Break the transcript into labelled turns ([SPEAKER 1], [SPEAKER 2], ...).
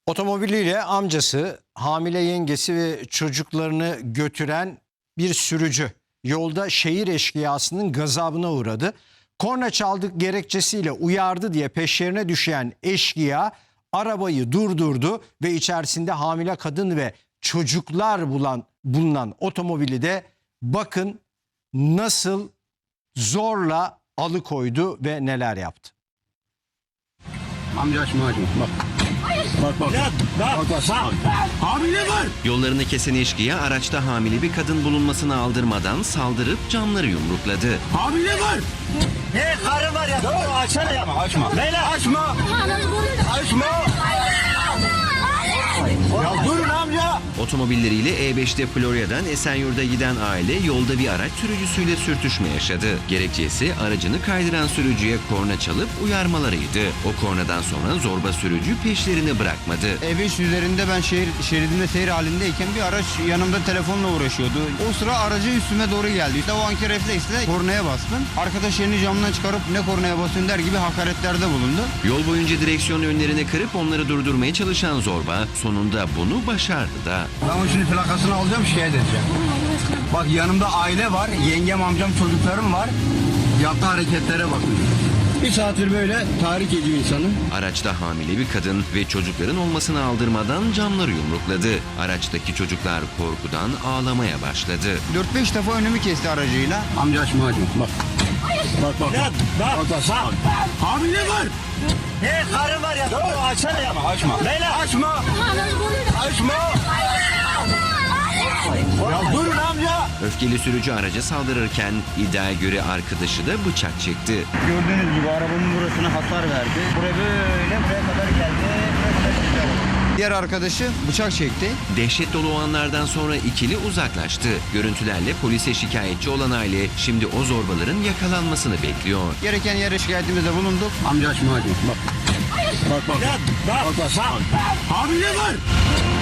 [SPEAKER 1] Otomobiliyle amcası, hamile yengesi ve çocuklarını götüren bir sürücü yolda şehir eşkıyasının gazabına uğradı. Korna çaldık gerekçesiyle uyardı diye peşlerine düşen eşkıya arabayı durdurdu ve içerisinde hamile kadın ve çocuklar bulunan otomobili de bakın nasıl zorla alıkoydu ve neler yaptı.
[SPEAKER 2] Amca açma bak. Bak. Hamile var.
[SPEAKER 3] Yollarını kesen eşkıya araçta hamile bir kadın bulunmasını aldırmadan saldırıp camları yumrukladı.
[SPEAKER 2] Hamile var.
[SPEAKER 4] Ne karı var ya? Doğru açsana ya.
[SPEAKER 2] Açma.
[SPEAKER 4] Beyler.
[SPEAKER 2] Açma. Açma. Ya durun amca.
[SPEAKER 3] Otomobilleriyle E5'te Florya'dan Esenyurt'a giden aile yolda bir araç sürücüsüyle sürtüşme yaşadı. Gerekçesi aracını kaydıran sürücüye korna çalıp uyarmalarıydı. O kornadan sonra zorba sürücü peşlerini bırakmadı.
[SPEAKER 5] E5 üzerinde ben şeridinde seyir halindeyken bir araç yanımda telefonla uğraşıyordu. O sıra aracı üstüme doğru geldi. İşte o anki refleksle kornaya bastım. Arkadaş elini camdan çıkarıp ne kornaya basıyorsun der gibi hakaretlerde bulundu.
[SPEAKER 3] Yol boyunca direksiyon önlerini kırıp onları durdurmaya çalışan zorba sonunda bunu başardı da.
[SPEAKER 2] Ben şimdi plakasını alacağım, şikayet edeceğim. Bak yanımda aile var, yengem, amcam, çocuklarım var. Yaptığı hareketlere bakın. Bir saattir böyle tahrik ediyor insanı.
[SPEAKER 3] Araçta hamile bir kadın ve çocukların olmasını aldırmadan camları yumrukladı. Araçtaki çocuklar korkudan ağlamaya başladı.
[SPEAKER 5] 4-5 defa önümü kesti aracıyla.
[SPEAKER 2] Amca açma bak. Bak.
[SPEAKER 4] Bak.
[SPEAKER 2] Hamile var.
[SPEAKER 4] Ne karı var ya? Doğru açsana ya.
[SPEAKER 2] Açma.
[SPEAKER 4] Beyler.
[SPEAKER 2] Açma. Açma. Ya durun amca.
[SPEAKER 3] Öfkeli sürücü araca saldırırken iddiaya göre arkadaşı da bıçak çekti.
[SPEAKER 5] Gördüğünüz gibi arabamın burasına hasar verdi. Buraya kadar geldi. Diğer arkadaşı bıçak çekti.
[SPEAKER 3] Dehşet dolu o anlardan sonra ikili uzaklaştı. Görüntülerle polise şikayetçi olan aile şimdi o zorbaların yakalanmasını bekliyor.
[SPEAKER 5] Gereken yere şikayetimizde bulunduk.
[SPEAKER 2] Amca açma bak. Bak.
[SPEAKER 4] Bak.
[SPEAKER 2] Hamile var.